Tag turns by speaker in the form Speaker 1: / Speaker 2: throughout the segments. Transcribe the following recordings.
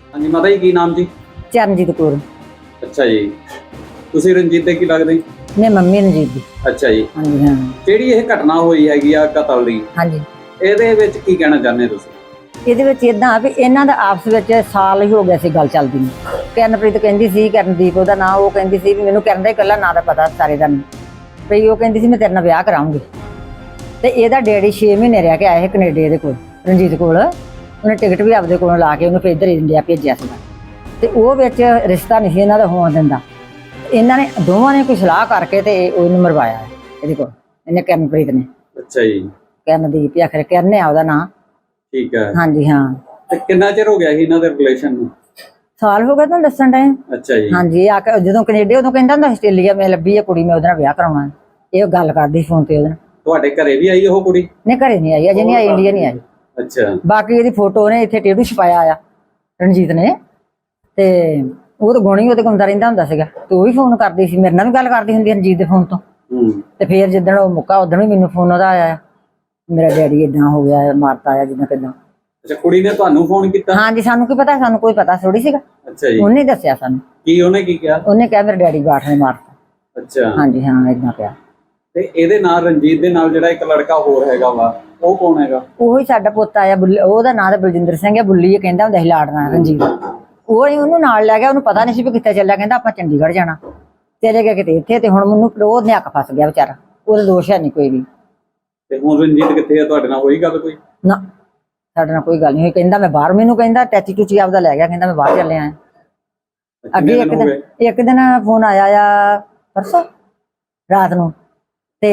Speaker 1: ਹਾਂਜੀ ਮਾਤਾ ਜੀ, ਕੀ ਨਾਮ ਜੀ?
Speaker 2: ਚਰਨਜੀਤ ਕੌਰ।
Speaker 1: ਅੱਛਾ ਜੀ, ਤੁਸੀਂ ਰਣਜੀਤ ਦੇ ਕੀ ਲੱਗਦੇ?
Speaker 2: ਮੈਂ ਮੰਮੀ ਰਣਜੀਤ ਦੀ।
Speaker 1: ਅੱਛਾ ਜੀ,
Speaker 2: ਹਾਂਜੀ ਹਾਂ।
Speaker 1: ਜਿਹੜੀ ਇਹ ਘਟਨਾ ਹੋਈ ਹੈਗੀ ਆ ਕਤਲ ਦੀ,
Speaker 2: ਹਾਂਜੀ,
Speaker 1: ਇਹਦੇ ਵਿੱਚ ਕੀ ਕਹਿਣਾ ਚਾਹੁੰਦੇ ਤੁਸੀਂ?
Speaker 2: ਇਹਦੇ ਵਿੱਚ ਇਦਾਂ ਵੀ ਇਹਨਾਂ ਦਾ ਆਪਸ ਵਿੱਚ ਸਾਲ ਹੀ ਹੋ ਗਿਆ ਸੀ ਗੱਲ ਚੱਲਦੀ ਨੂੰ। ਕਰਨਪ੍ਰੀਤ ਕਹਿੰਦੀ ਸੀ, ਕਰਨਦੀਪ ਉਹਦਾ ਨਾਂ, ਉਹ ਕਹਿੰਦੀ ਸੀ ਵੀ ਮੈਨੂੰ ਕਰਨ ਦਾ ਇਕੱਲਾ ਨਾਂ ਦਾ ਪਤਾ, ਸਾਰੇ ਦਾ ਨਹੀਂ ਵੀ। ਉਹ ਕਹਿੰਦੀ ਸੀ ਮੈਂ ਤੇਰੇ ਨਾਲ ਵਿਆਹ ਕਰਾਉਂਗੀ। ਤੇ ਇਹਦਾ ਡੈਡੀ 6 ਮਹੀਨੇ ਰਹਿ ਕੇ ਆਇਆ ਸੀ ਕੈਨੇਡਾ ਦੇ ਕੋਲ, ਰਣਜੀਤ ਕੋਲ। ਉਹਨੇ ਟਿਕਟ ਵੀ ਆਪਦੇ ਕੋਲੋਂ ਲਾ ਕੇ ਉਹਨੂੰ ਫਿਰ ਇੱਧਰ ਇੰਡੀਆ ਭੇਜਿਆ ਸੀਗਾ। ਤੇ ਉਹ ਵਿੱਚ ਰਿਸ਼ਤਾ ਨਹੀਂ ਸੀ ਇਹਨਾਂ ਦਾ ਹੋਣ ਦਿੰਦਾ। ਇਹਨਾਂ ਨੇ ਦੋਵਾਂ ਨੇ ਕੋਈ ਸਲਾਹ ਕਰਕੇ ਤੇ ਉਹਨੂੰ ਮਰਵਾਇਆ ਇਹਦੇ ਕੋਲ, ਇਹਨੇ ਕਰਨਪ੍ਰੀਤ ਨੇ।
Speaker 1: ਅੱਛਾ ਜੀ,
Speaker 2: ਕਰਨਦੀਪ ਜਾਂ ਫਿਰ ਕਰਨ ਆ ਉਹਦਾ ਨਾਂ।
Speaker 1: ਠੀਕ ਹੈ।
Speaker 2: ਹਾਂਜੀ ਹਾਂ।
Speaker 1: ਤੇ ਕਿੰਨਾ ਚਿਰ ਹੋ ਗਿਆ ਸੀ ਇਹਨਾਂ ਦੇ ਰਿਲੇਸ਼ਨ ਨੂੰ?
Speaker 2: ਸਾਲ ਹੋ ਗਿਆ ਤੁਹਾਨੂੰ ਦੱਸਣ ਟਾਈਮ।
Speaker 1: ਅੱਛਾ ਜੀ।
Speaker 2: ਹਾਂਜੀ, ਆ ਕੇ ਜਦੋਂ ਕੈਨੇਡਾ ਉਦੋਂ ਕਹਿੰਦਾ ਹੁੰਦਾ ਆਸਟ੍ਰੇਲੀਆ ਮੈਂ ਲੱਭੀ ਆ ਕੁੜੀ, ਮੈਂ ਉਹਦੇ ਨਾਲ ਵਿਆਹ ਕਰਾਉਣਾ। ਇਹ ਗੱਲ ਕਰਦੀ ਫੋਨ ਤੇ ਉਹਦੇ ਨਾਲ।
Speaker 1: ਤੁਹਾਡੇ ਘਰੇ ਵੀ ਆਈ ਉਹ ਕੁੜੀ?
Speaker 2: ਨਹੀਂ, ਘਰੇ ਨਹੀਂ ਆਈ, ਅਜੇ ਨਹੀਂ ਆਈ, ਇੰਡੀਆ ਨਹੀਂ ਆਈ।
Speaker 1: ਅੱਛਾ।
Speaker 2: ਬਾਕੀ ਇਹਦੀ ਫੋਟੋ ਨੇ ਇੱਥੇ ਟੇਟੂ ਛਪਾਇਆ ਆ ਰਣਜੀਤ ਨੇ। ਤੇ ਉਹ ਤਾਂ ਗੁਣੀ ਉਹਦੇ ਕੋਲ ਆਉਂਦਾ ਰਹਿੰਦਾ ਹੁੰਦਾ ਸੀਗਾ। ਤੇ ਉਹ ਵੀ ਫੋਨ ਕਰਦੀ ਸੀ, ਮੇਰੇ ਨਾਲ ਵੀ ਗੱਲ ਕਰਦੀ ਹੁੰਦੀ ਰਣਜੀਤ ਦੇ ਫੋਨ ਤੋਂ। ਤੇ ਫਿਰ ਜਿੱਦਣ ਉਹ ਮੁੱਕਾ ਉਦੋਂ ਵੀ ਮੈਨੂੰ ਫੋਨ ਉਹਦਾ ਆਇਆ, ਮੇਰਾ ਡੈਡੀ ਏਦਾਂ ਹੋ ਗਿਆ, ਮਾਰਤਾ ਆ ਜਿੱਦਾਂ ਕਿੱਦਾਂ।
Speaker 1: ਅੱਛਾ, ਕੁੜੀ ਨੇ ਤੁਹਾਨੂੰ ਫੋਨ ਕੀਤਾ?
Speaker 2: ਹਾਂਜੀ, ਸਾਨੂੰ ਕੀ ਪਤਾ, ਸਾਨੂੰ ਕੋਈ ਪਤਾ ਥੋੜੀ ਸੀਗਾ।
Speaker 1: ਅੱਛਾ ਜੀ।
Speaker 2: ਉਹਨੇ ਦੱਸਿਆ ਸਾਨੂੰ।
Speaker 1: ਕੀ ਉਹਨੇ ਕੀ ਕਿਹਾ?
Speaker 2: ਉਹਨੇ ਕਿਹਾ ਮੇਰੇ ਡੈਡੀ ਬਾਠ ਨੇ ਮਾਰਤਾ।
Speaker 1: ਅੱਛਾ।
Speaker 2: ਹਾਂਜੀ ਹਾਂ, ਏਦਾਂ ਪਿਆ।
Speaker 1: ਤੇ ਇਹਦੇ ਨਾਲ ਰਣਜੀਤ ਦੇ ਨਾਲ ਜਿਹੜਾ ਇੱਕ ਲੜਕਾ ਹੋਰ ਹੈਗਾ ਵਾ, ਉਹ ਕੌਣ ਹੈਗਾ?
Speaker 2: ਉਹੀ ਸਾਡਾ ਪੁੱਤ ਆਇਆ, ਉਹਦਾ ਨਾਂ ਤਾਂ ਬਲਜਿੰਦਰ ਸਿੰਘ ਹੈ, ਬੁੱਲੀ ਇਹ ਕਹਿੰਦਾ ਹੁੰਦਾ ਸੀ ਲਾੜਨਾ ਰਣਜੀਤ। ਉਹ ਹੀ ਉਹਨੂੰ ਨਾਲ ਲੈ ਗਿਆ, ਉਹਨੂੰ ਪਤਾ ਨਹੀਂ ਸੀ ਵੀ ਕਿੱਥੇ ਚੱਲਿਆ। ਕਹਿੰਦਾ ਆਪਾਂ ਚੰਡੀਗੜ੍ਹ ਜਾਣਾ। ਚਲੇ ਗਿਆ ਕਿਤੇ ਇੱਥੇ, ਤੇ ਹੁਣ ਮੈਨੂੰ ਉਹ ਨਿਆਕ ਫਸ ਗਿਆ ਵਿਚਾਰਾ। ਉਹਦਾ ਦੋਸ਼ ਹੈ ਨਹੀਂ ਕੋਈ ਵੀ।
Speaker 1: ਤੇ ਹੁਣ ਰਣਜੀਤ ਕਿੱਥੇ ਆ? ਤੁਹਾਡੇ ਨਾਲ ਹੋਈ ਗੱਲ ਕੋਈ?
Speaker 2: ਨਾ, ਸਾਡੇ ਨਾਲ ਕੋਈ ਗੱਲ ਨਹੀਂ ਹੋਈ। ਕਹਿੰਦਾ ਮੈਂ ਬਾਹਰ, ਮੈਨੂੰ ਕਹਿੰਦਾ ਟੈਚੀ ਟੂਚੀ ਆਪਦਾ ਲੈ ਗਿਆ, ਕਹਿੰਦਾ ਮੈਂ ਬਾਹਰ ਚੱਲਿਆ ਆ। ਅੱਗੇ ਇੱਕ ਦਿਨ ਫੋਨ ਆਇਆ ਆ ਪਰਸੋਂ ਰਾਤ ਨੂੰ। ਤੇ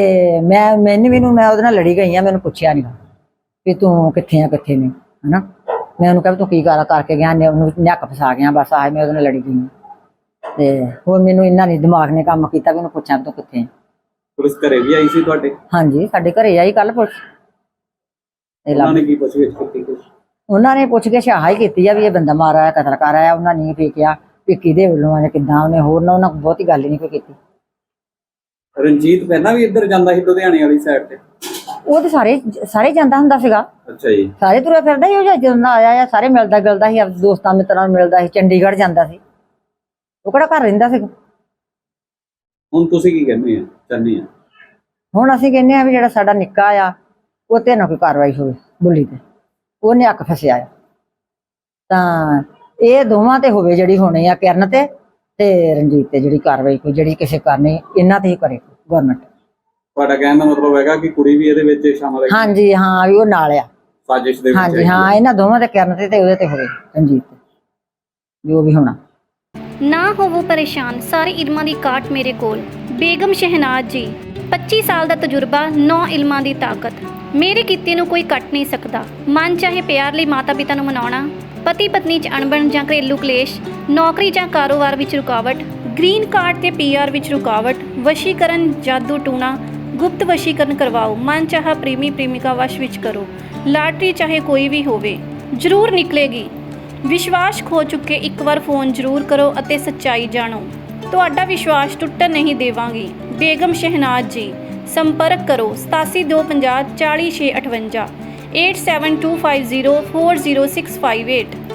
Speaker 2: ਮੈਂ ਉਹਦੇ ਨਾਲ ਲੜੀ ਗਈ ਆ, ਮੈਨੂੰ ਪੁੱਛਿਆ ਨਹੀਂ ਵੀ ਤੂੰ ਕਿੱਥੇ ਆ ਕਿੱਥੇ ਨਹੀਂ, ਹਨਾ। ਮੈਂ ਉਹਨੂੰ ਕਿਹਾ ਤੂੰ ਕੀ ਕਰਕੇ ਗਿਆ, ਉਹਨੂੰ ਨੱਕ ਫਸਾ ਗਿਆ, ਬਸ ਆਹ ਮੈਂ ਉਹਦੇ ਨਾਲ ਲੜੀ ਗਈ। ਤੇ ਹੋਰ ਮੈਨੂੰ ਇੰਨਾ ਨਹੀਂ ਦਿਮਾਗ ਨੇ ਕੰਮ ਕੀਤਾ ਵੀ ਉਹਨੂੰ ਪੁੱਛਾਂ ਤੂੰ ਕਿੱਥੇ ਆ।
Speaker 1: ਪੁਲਿਸ ਘਰੇ ਵੀ ਆਈ ਸੀ ਤੁਹਾਡੇ?
Speaker 2: ਹਾਂਜੀ, ਸਾਡੇ ਘਰੇ ਆਈ ਕੱਲ ਪੁਲਿਸ।
Speaker 1: ਉਹਨਾਂ ਨੇ ਕੀ ਪੁੱਛਗਿੱਛ ਕੀਤੀ ਕੁਛ?
Speaker 2: ਉਹਨਾਂ ਨੇ ਪੁੱਛ ਕੇ ਸ਼ਾਹਾ ਹੀ ਕੀਤੀ ਆ ਵੀ ਇਹ ਬੰਦਾ ਮਾਰ ਆਇਆ, ਕਤਲ ਕਰ ਆਇਆ। ਉਹਨਾਂ ਨੇ ਫੇਕਿਆ ਵੀ ਕਿਹਦੇ ਵੱਲੋਂ ਆ ਜਾਂ ਕਿੱਦਾਂ। ਉਹਨੇ ਹੋਰ ਨਾ ਉਹਨਾਂ ਬਹੁਤੀ ਗੱਲ ਹੀ ਨਹੀਂ ਕੋਈ ਕੀਤੀ।
Speaker 1: ਰਣਜੀਤ ਪਹਿਲਾਂ ਵੀ ਇੱਧਰ ਜਾਂਦਾ ਸੀ ਲੁਧਿਆਣੇ ਵਾਲੀ ਸਾਈਡ ਤੇ?
Speaker 2: ਉਹ ਤੇ ਸਾਰੇ ਜਾਂਦਾ ਹੁੰਦਾ ਸੀਗਾ।
Speaker 1: ਅੱਛਾ ਜੀ। ਸਾਰੇ
Speaker 2: ਤੁਰਿਆ ਫਿਰਦਾ ਹੀ। ਉਹ ਜਦੋਂ ਆਇਆ ਆ ਸਾਰੇ ਮਿਲਦਾ ਗਿਲਦਾ ਸੀ, ਆਪਣੇ ਦੋਸਤਾਂ ਮਿੱਤਰਾਂ ਨੂੰ ਮਿਲਦਾ ਸੀ, ਚੰਡੀਗੜ੍ਹ ਜਾਂਦਾ ਸੀ। ਉਹ ਕਿਹੜਾ ਘਰ ਰਹਿੰਦਾ ਸੀਗਾ।
Speaker 1: ਹੁਣ ਤੁਸੀਂ ਕੀ ਕਹਿੰਦੇ ਚਾਹੁੰਦੇ ਆ?
Speaker 2: ਹੁਣ ਅਸੀਂ ਕਹਿੰਦੇ ਆ ਵੀ ਜਿਹੜਾ ਸਾਡਾ ਨਿੱਕਾ ਆ ਉਹ ਤੇ ਨਾ ਕੋਈ ਕਾਰਵਾਈ ਹੋਵੇ ਬੁੱਲੀ ਤੇ। ਉਹਨੇ ਅੱਕ ਫਸਿਆ ਆ ਤਾਂ ਇਹ ਦੋਵਾਂ ਤੇ ਹੋਵੇ ਜਿਹੜੀ ਹੋਣੀ ਆ, ਕਰਨ ਤੇ ਰਣਜੀਤ ਤੇ ਜਿਹੜੀ ਕਾਰਵਾਈ ਕੋਈ ਜਿਹੜੀ ਕਿਸੇ ਕਰਨੀ, ਇਹਨਾਂ ਤੇ ਹੀ ਕਰੇ ਗਵਰਨਮੈਂਟ।
Speaker 1: ਤੁਹਾਡਾ ਕਹਿਣ ਦਾ ਮਤਲਬ ਹੈਗਾ ਕਿ ਕੁੜੀ ਵੀ ਇਹਦੇ ਵਿੱਚ ਸ਼ਾਮਲ ਹੈ?
Speaker 2: ਹਾਂਜੀ ਹਾਂ, ਵੀ ਉਹ ਨਾਲ ਆ
Speaker 1: ਸਾਜ਼ਿਸ਼ ਦੇ ਵਿੱਚ।
Speaker 2: ਹਾਂਜੀ ਹਾਂ, ਇਹਨਾਂ ਦੋਵਾਂ ਤੇ, ਕਰਨ ਤੇ ਉਹਦੇ ਤੇ ਹੋਵੇ, ਰਣਜੀਤ ਤੇ ਜੋ ਵੀ ਹੋਣਾ।
Speaker 3: ਨਾ ਹੋਵੋ ਪਰੇਸ਼ਾਨ, ਸਾਰੇ ਇਲਮਾਂ ਦੀ ਕਾਟ ਮੇਰੇ ਕੋਲ। ਬੇਗਮ ਸ਼ਹਿਨਾਜ਼ ਜੀ, 25 ਸਾਲ ਦਾ ਤਜਰਬਾ, 9 ਇਲਮਾਂ ਦੀ ਤਾਕਤ। ਮੇਰੇ ਕੀਤੇ ਨੂੰ ਕੋਈ ਕੱਟ ਨਹੀਂ ਸਕਦਾ। ਮਨ ਚਾਹੇ ਪਿਆਰ ਲਈ ਮਾਤਾ ਪਿਤਾ ਨੂੰ ਮਨਾਉਣਾ, ਪਤੀ ਪਤਨੀ 'ਚ ਅਣਬਣ ਜਾਂ ਘਰੇਲੂ ਕਲੇਸ਼, ਨੌਕਰੀ ਜਾਂ ਕਾਰੋਬਾਰ ਵਿੱਚ ਰੁਕਾਵਟ, ਗ੍ਰੀਨ ਕਾਰਡ ਤੇ PR ਵਿੱਚ ਰੁਕਾਵਟ, ਵਸ਼ੀਕਰਨ, ਜਾਦੂ ਟੂਣਾ, ਗੁਪਤ ਵਸ਼ੀਕਰਨ ਕਰਵਾਓ, ਮਨ ਚਾਹਾ ਪ੍ਰੇਮੀ ਪ੍ਰੇਮਿਕਾ ਵਸ਼ ਵਿੱਚ ਕਰੋ। ਲਾਟਰੀ ਚਾਹੇ ਕੋਈ ਵੀ ਹੋਵੇ, ਜ਼ਰੂਰ ਨਿਕਲੇਗੀ। ਵਿਸ਼ਵਾਸ ਖੋ ਚੁੱਕੇ ਇੱਕ ਵਾਰ ਫੋਨ ਜ਼ਰੂਰ ਕਰੋ ਅਤੇ ਸੱਚਾਈ ਜਾਣੋ। ਤੁਹਾਡਾ ਵਿਸ਼ਵਾਸ ਟੁੱਟਣ ਨਹੀਂ ਦੇਵਾਂਗੀ। ਬੇਗਮ ਸ਼ਹਿਨਾਜ਼ ਜੀ, ਸੰਪਰਕ ਕਰੋ 8725040658 8725040658।